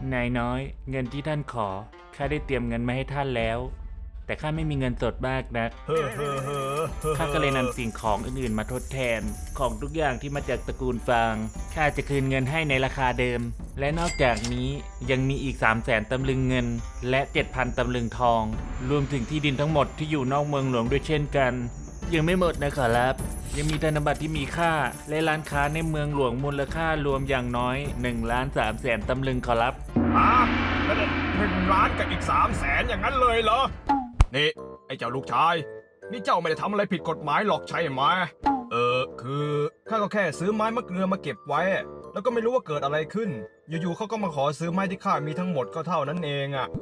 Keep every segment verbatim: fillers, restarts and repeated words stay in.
นายน้อยเงินที่ท่านขอข้าได้เตรียมเงินมาให้ท่านแล้วแต่ข้าไม่มีเงินสดมากนักข้าก็เลยนำสิ่งของอื่นๆมาทดแทนของทุกอย่างที่มาจากตระกูลฟางข้าจะคืนเงินให้ในราคาเดิมและนอกจากนี้ยังมีอีก สามแสน ตำลึงเงินและ เจ็ดพัน ตำลึงทองรวมถึงที่ดินทั้งหมดที่อยู่นอกเมืองหลวงด้วยเช่นกันยังไม่หมดนะขอรับยังมีธนบัตรที่มีค่าและร้านค้าในเมืองหลวงมูลค่ารวมอย่างน้อยหนึ่งล้านสามแสนตำลึงขอรับอ่ะแล้วหนึ่งล้านกับอีกสามแสนอย่างนั้นเลยเหรอนี่ไอ้เจ้าลูกชายนี่เจ้าไม่ได้ทำอะไรผิดกฎหมายหรอกใช่ไหมเออคือข้าก็แค่ซื้อไม้มะเกลือมาเก็บไว้แล้วก็ไม่รู้ว่าเกิดอะไรขึ้นอยู่ๆเขาก็มาขอซื้อไม้ที่ข้ามีทั้งหมดก็เท่านั้นเองอ่ะ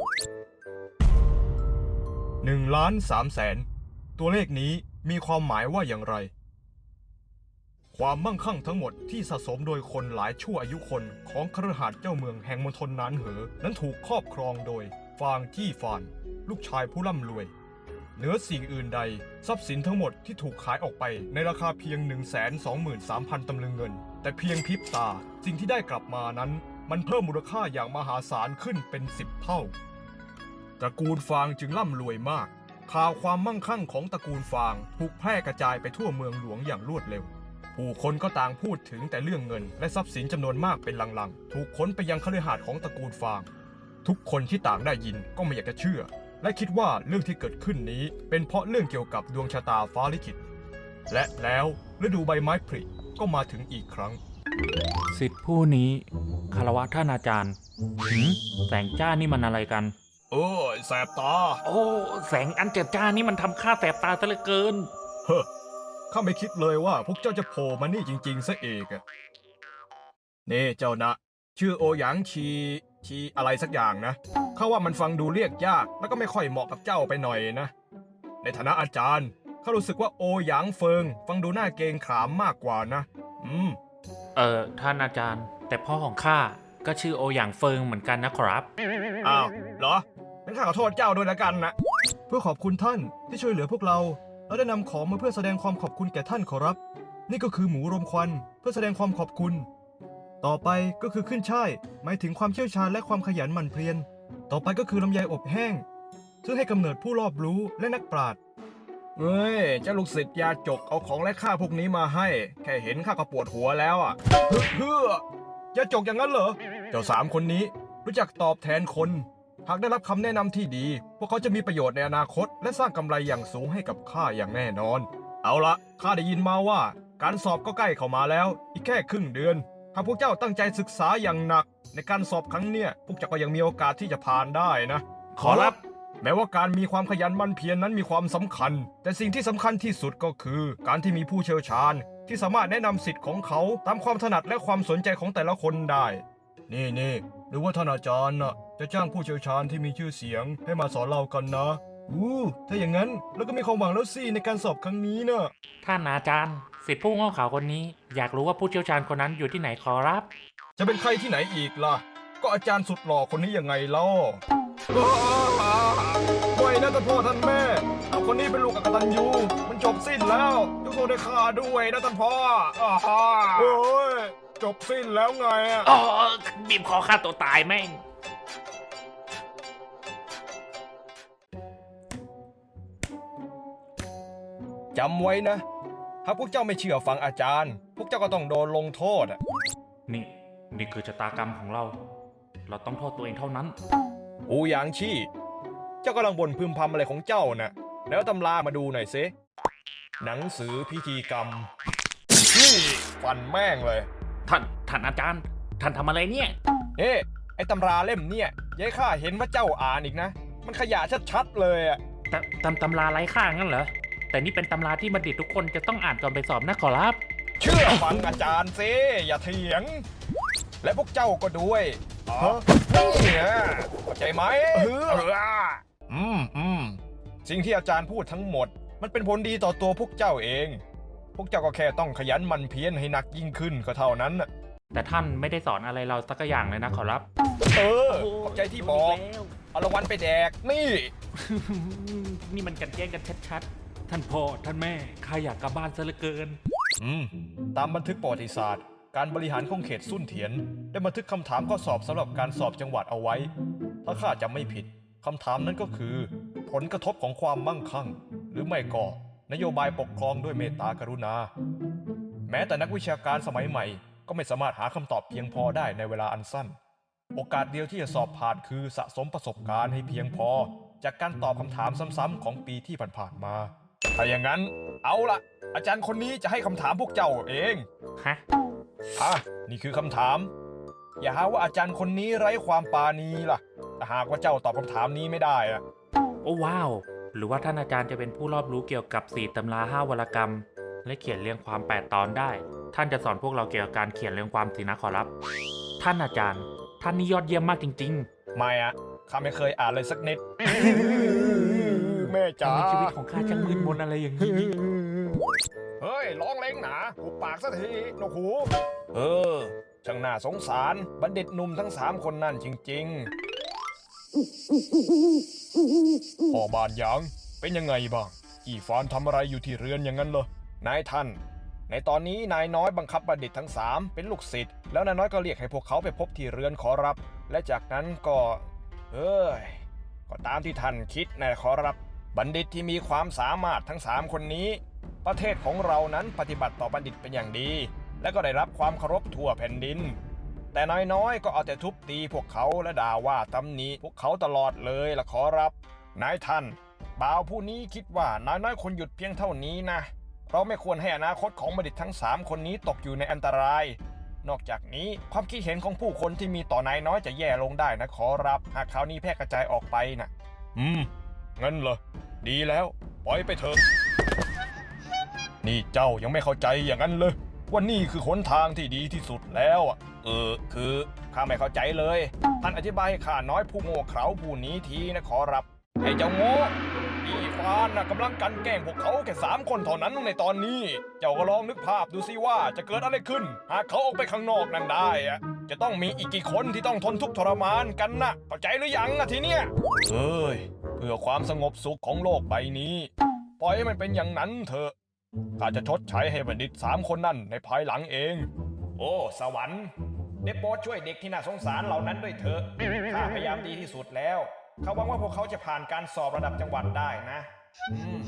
หนึ่งล้านสามแสนตัวเลขนี้มีความหมายว่าอย่างไรความมั่งคั่งทั้งหมดที่สะสมโดยคนหลายชั่วอายุคนของคฤหัสถ์เจ้าเมืองแห่งมณฑลนานเหอนั้นถูกครอบครองโดยฟางจี้ฟานลูกชายผู้ร่ำรวยเหนือสิ่งอื่นใดทรัพย์สินทั้งหมดที่ถูกขายออกไปในราคาเพียง หนึ่งแสนสองหมื่นสามพัน ตำลึงเงินแต่เพียงพริบตาสิ่งที่ได้กลับมานั้นมันเพิ่มมูลค่าอย่างมหาศาลขึ้นเป็นสิบเท่าตระกูลฟางจึงร่ำรวยมากข่าวความมั่งคั่งของตระกูลฟางถูกแพร่กระจายไปทั่วเมืองหลวงอย่างรวดเร็วผู้คนก็ต่างพูดถึงแต่เรื่องเงินและทรัพย์สินจำนวนมากเป็นลังๆถูกขนไปยังคฤหาสน์ของตระกูลฟางทุกคนที่ต่างได้ยินก็ไม่อยากจะเชื่อและคิดว่าเรื่องที่เกิดขึ้นนี้เป็นเพราะเรื่องเกี่ยวกับดวงชะตาฟ้าลิขิตและแล้วฤดูใบไม้ผลิก็มาถึงอีกครั้งสิทธิผู้นี้คารวะท่านอาจารย์หืมแสงจ้านี่มันอะไรกันเออแสบตาโอ้แสงอันเจิดจ้านี่มันทำข้าแสบตาซะเหลือเกินเฮ้อข้าไม่คิดเลยว่าพวกเจ้าจะโผล่มานี่จริงๆซะเองอะนี่เจ้านะชื่อโอหยางชีชีอะไรสักอย่างนะข้าว่ามันฟังดูเรียกยากแล้วก็ไม่ค่อยเหมาะกับเจ้าไปหน่อยนะในฐานะอาจารย์ข้ารู้สึกว่าโอหยางเฟิงฟังดูน่าเกรงขามมากกว่านะอืมเออท่านอาจารย์แต่พ่อของข้าก็ชื่อโอหยางเฟิงเหมือนกันนะครับอ้าวเหรองั้นข้าขอโทษเจ้าด้วยละกันนะเพื่อขอบคุณท่านที่ช่วยเหลือพวกเราเราได้นำของมาเพื่อแสดงความขอบคุณแก่ท่านขอรับนี่ก็คือหมูรมควันเพื่อแสดงความขอบคุณต่อไปก็คือขึ้นช่ายหมายถึงความเชี่ยวชาญและความขยันหมั่นเพียรต่อไปก็คือลำไยอบแห้งซึ่งให้กำเนิดผู้รอบรู้และนักปราชญ์เฮ้ยเจ้าลูกศิษย์ยาจกเอาของและข้าพวกนี้มาให้แค่เห็นข้าก็ปวดหัวแล้วอ่ะเฮ้อยาจกอย่างนั้นเหรอเจ้าสามคนนี้รู้จักตอบแทนคนหากได้รับคำแนะนำที่ดีพวกเขาจะมีประโยชน์ในอนาคตและสร้างกำไรอย่างสูงให้กับข้าอย่างแน่นอนเอาละข้าได้ยินมาว่าการสอบก็ใกล้เข้ามาแล้วอีกแค่ครึ่งเดือนหากพวกเจ้าตั้งใจศึกษาอย่างหนักในการสอบครั้งเนี้ยพวกเจ้าก็ยังมีโอกาสที่จะผ่านได้นะขอรับแม้ว่าการมีความขยันหมั่นเพียรนั้นมีความสำคัญแต่สิ่งที่สำคัญที่สุดก็คือการที่มีผู้เชี่ยวชาญที่สามารถแนะนำสิทธิ์ของเขาตามความถนัดและความสนใจของแต่ละคนได้นี่นี่หรือว่าท่านอาจารย์น่ะจะจ้างผู้เชี่ยวชาญที่มีชื่อเสียงให้มาสอนเรากันนะอู้ถ้าอย่างนั้นเราก็มีความหวังแล้วสิในการสอบครั้งนี้นะท่านอาจารย์ศิษย์ผู้โง่เขลาคนนี้อยากรู้ว่าผู้เชี่ยวชาญคนนั้นอยู่ที่ไหนขอรับจะเป็นใครที่ไหนอีกล่ะก็อาจารย์สุดหล่อคนนี้ยังไงเล่าไม่นะท่านพ่อท่านแม่เอาคนนี้เป็นลูกอกตัญญูมันจบสิ้นแล้วยกโทษให้ข้าด้วยนะท่านพ่อโอ้ยจบสิ้นแล้วไงอ่ะอ๋อบีบคอฆ่าตัวตายแม่งจำไว้นะถ้าพวกเจ้าไม่เชื่อฟังอาจารย์พวกเจ้าก็ต้องโดนลงโทษอ่ะนี่นี่คือชะตากรรมของเราเราต้องโทษตัวเองเท่านั้นอูหยางชี่เจ้ากำลังบ่นพึมพำอะไรของเจ้าน่ะแล้วตำรามาดูหน่อยสิหนังสือพิธีกรรมนี่ฟันแม่งเลยท่านท่านอาจารย์ท่านทำอะไรเนี่ยเอ๊ะไอ้ตำราเล่มเนี่ยยายข้าเห็นว่าเจ้าอ่านอีกนะมันขยะชัดๆเลยอ่ะตตำตำราไร้ค่างั้นเหรอแต่นี่เป็นตำราที่บัณฑิตทุกคนจะต้องอ่านก่อนไปสอบนะขอรับเชื่อฟังอาจารย์สิอย่าเถียงและพวกเจ้าก็ด้วยอ๋อเนี่ยเข้าใจไหมเอออืมอืมสิ่งที่อาจารย์พูดทั้งหมดมันเป็นผลดีต่อตัวพวกเจ้าเองพวกเจ้าก็แค่ต้องขยันหมั่นเพียรให้หนักยิ่งขึ้นก็เท่านั้นน่ะแต่ท่านไม่ได้สอนอะไรเราสักอย่างเลยนะขอรับเออขอบใจที่บอกเอารางวัลไปแดกนี่นี่มันกันแกล้งกันชัดๆท่านพ่อท่านแม่ข้าอยากกลับบ้านซะเหลือเกินอืมตามบันทึกประวัติศาสตร์การบริหารของเขตสุ่นเถียนได้บันทึกคำถามข้อสอบสำหรับการสอบจังหวัดเอาไว้ ถ้าข้าจำไม่ผิดคำถามนั้นก็คือ ผลกระทบของความมั่งคั่ง หรือไม่ก็นโยบายปกครองด้วยเมตตากรุณา แม้แต่นักวิชาการสมัยใหม่ก็ไม่สามารถหาคำตอบเพียงพอได้ในเวลาอันสั้น โอกาสเดียวที่จะสอบผ่านคือสะสมประสบการณ์ให้เพียงพอจากการตอบคำถามซ้ำๆของปีที่ผ่านๆมา ถ้าอย่างนั้นเอาละอาจารย์คนนี้จะให้คำถามพวกเจ้าเองฮะอ่ะนี่คือคำถาม อย่าหาว่าอาจารย์คนนี้ไร้ความปราณีล่ะแต่หากว่าเจ้าตอบคำถามนี้ไม่ได้อะโอ้ว้าว หรือว่าท่านอาจารย์จะเป็นผู้รอบรู้เกี่ยวกับสี่ตำราห้าวรกรรม และเขียนเรียงความแปดตอนได้ ท่านจะสอนพวกเราเกี่ยวกับการเขียนเรียงความสินะขอรับ ท่านอาจารย์ ท่านนี่ยอดเยี่ยมมากจริงไม่อะข้าไม่เคยอ่านเลยสักนิด แม่ๆจ๋าทำไมชีวิตของข้าช่างมืดมนอะไรอย่างนี้เฮ้ยร้องเล้งหนาหุบปากสักทีนกหูเออช่างน่าสงสารบัณฑิตหนุ่มทั้งสามคนนั่นจริงๆพ่อบานหยางเป็นยังไงบ้างอีฟานทำอะไรอยู่ที่เรือนอย่างนั้นเหรอนายท่านในตอนนี้นายน้อยบังคับบัณฑิตทั้งสามเป็นลูกศิษย์แล้วนายน้อยก็เรียกให้พวกเขาไปพบที่เรือนขอรับและจากนั้นก็เอ้ยก็ตามที่ท่านคิดนะขอรับบัณฑิตที่มีความสามารถทั้งสามคนนี้ประเทศของเรานั้นปฏิบัติต่อบัณฑิตเป็นอย่างดีและก็ได้รับความเคารพทั่วแผ่นดินแต่นายน้อยก็เอาแต่ทุบตีพวกเขาและด่าว่าตำหนิพวกเขาตลอดเลยล่ะขอรับนายท่านบ่าวผู้นี้คิดว่านายน้อยควรหยุดเพียงเท่านี้นะเราไม่ควรให้อนาคตของบัณฑิตทั้งสามคนนี้ตกอยู่ในอันตรายนอกจากนี้ความคิดเห็นของผู้คนที่มีต่อนายน้อยจะแย่ลงได้นะขอรับหากข่าวนี้แพร่กระจายออกไปนะอืมงั้นเหรอดีแล้วปล่อยไปเถอะนี่เจ้ายังไม่เข้าใจอย่างนั้นเลยว่านี่คือหนทางที่ดีที่สุดแล้วอ่ะเออคือข้าไม่เข้าใจเลยท่านอธิบายให้ข้าน้อยผู้โง่เขลาผู้นี้ทีนะขอรับไอ้เจ้าโง่อีฟานน่ะกำลังกันแกล้งพวกเขาแค่สามคนเท่านั้นในตอนนี้เจ้าก็ลองนึกภาพดูสิว่าจะเกิดอะไรขึ้นหากเขาออกไปข้างนอกนั่นได้อะจะต้องมีอีกกี่คนที่ต้องทนทุกข์ทรมานกันนะเข้าใจหรือยังอะทีเนี้ยเอ้ยเพื่อความสงบสุขของโลกใบนี้ปล่อยให้มันเป็นอย่างนั้นเถอะข้าจะชดใช้ให้บัณฑิตสามคนนั่นในภายหลังเองโอ้สวรรค์ได้โปรดช่วยเด็กที่น่าสงสารเหล่านั้นด้วยเถอะข้าพยายามดีที่สุดแล้วเขาหวังว่าพวกเขาจะผ่านการสอบระดับจังหวัดได้นะอืม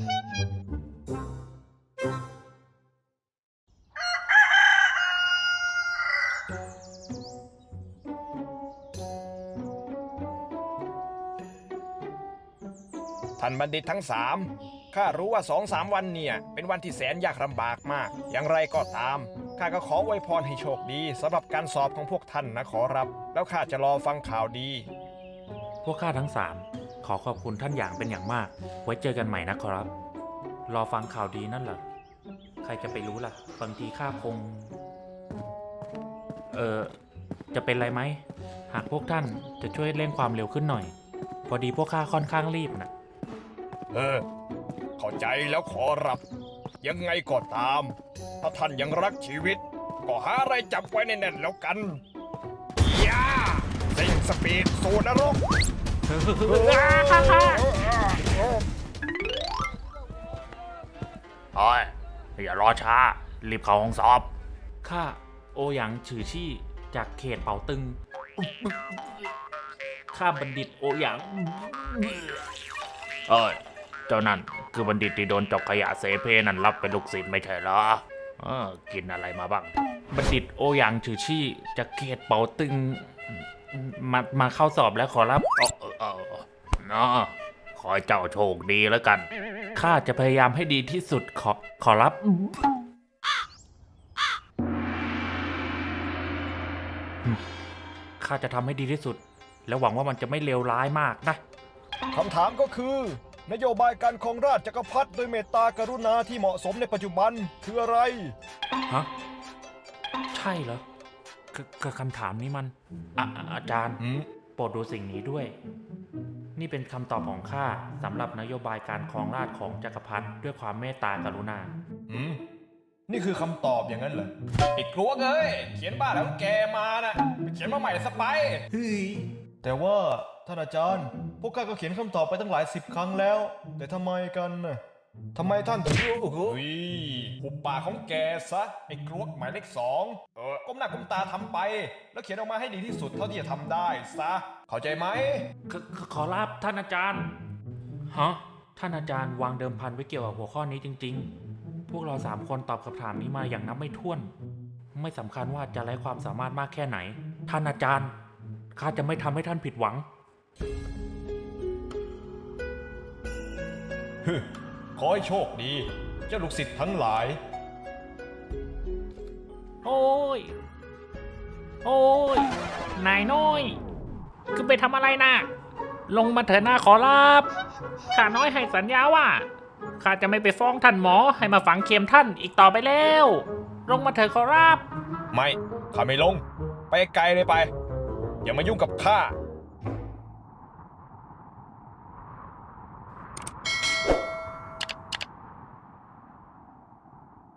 ท่านบัณฑิตทั้งสามข้ารู้ว่าสองสามวันเนี่ยเป็นวันที่แสนยากลำบากมากอย่างไรก็ตามข้าก็ขออวยพรให้โชคดีสำหรับการสอบของพวกท่านนะขอรับแล้วข้าจะรอฟังข่าวดีพวกข้าทั้งสามขอขอบคุณท่านอย่างเป็นอย่างมาก ไว้เจอกันใหม่นะครับ รอฟังข่าวดีนั่นเหรอ ใครจะไปรู้ล่ะ บางทีข้าคง เออจะเป็นไรไหม หากพวกท่านจะช่วยเร่งความเร็วขึ้นหน่อย พอดีพวกข้าค่อนข้างรีบนะเออเข้าใจแล้วขอรับยังไงก็ตามถ้าท่านยังรักชีวิตก็หาอะไรจับไว้แน่นๆแล้วกันย่าเซ็งสปีดสู่นรกเฮ้ยอย่ารอช้ารีบเข้าห้องสอบข้าโอหยางฉือชี่จากเขตเป่าตึงข้าบัณฑิตโอหยางเอ้ยเจ้านั่นคือบัณฑิตที่โดนจกขยะเสเพนั่นรับเป็นลูกศิษย์ไม่ใช่เหรอเออกินอะไรมาบ้างบัณฑิตโอหยางฉือชี่จากเขตเป่าตึงมามาเข้าสอบแล้วขอรับเออเออเออเนาะขอให้เจ้าโชคดีแล้วกันข้าจะพยายามให้ดีที่สุดขอขอรับข้าจะทำให้ดีที่สุดและหวังว่ามันจะไม่เลวร้ายมากนะคำถามก็คือนโยบายการครองราชจักรพรรดิโดยเมตตากรุณาที่เหมาะสมในปัจจุบันคืออะไรฮะใช่เหรอคือคำถามนี้มันอะอาจารย์โปรดดูสิ่งนี้ด้วยนี่เป็นคำตอบของข้าสำหรับนโยบายการครองราชย์ของจักรพรรดิด้วยความเมตตากรุณาอืมนี่คือคำตอบอย่างนั้นเหรอไอ้กลัวเอ้ยเขียนบ้าแล้วแกมานะไปเขียนมาใหม่สไปเฮ้ยแต่ว่าท่านอาจารย์พวกข้าก็เขียนคำตอบไปตั้งหลายสิบครั้งแล้วแต่ทำไมกันน่ะทำไมท่านถึงรู้เฮ้ยหุบปากของแกซะ ไอ้กรวกหมายเลขสองเออก้มหน้าก้มตาทำไป แล้วเขียนออกมาให้ดีที่สุดเท่าที่จะทำได้ซะ เข้าใจไหมขขขอรับท่านอาจารย์ ฮะ ท่านอาจารย์วางเดิมพันไว้เกี่ยวกับหัวข้อนี้จริงๆ พวกเราสามคนตอบคำถามนี้มาอย่างนับไม่ถ้วน ไม่สำคัญว่าจะไร้ความสามารถมากแค่ไหน ท่านอาจารย์ ข้าจะไม่ทำให้ท่านผิดหวังขอให้โชคดี เจ้าลูกศิษย์ทั้งหลายโอ้ย โอ้ย นายน้อย คือไปทำอะไรนะ ลงมาเถอะหน้าขอรับ ข้าน้อยให้สัญญาว่า ข้าจะไม่ไปฟ้องท่านหมอให้มาฝังเข็มท่านอีกต่อไปแล้ว ลงมาเถอะขอรับไม่ ข้าไม่ลง ไปไกลเลยไป อย่ามายุ่งกับข้า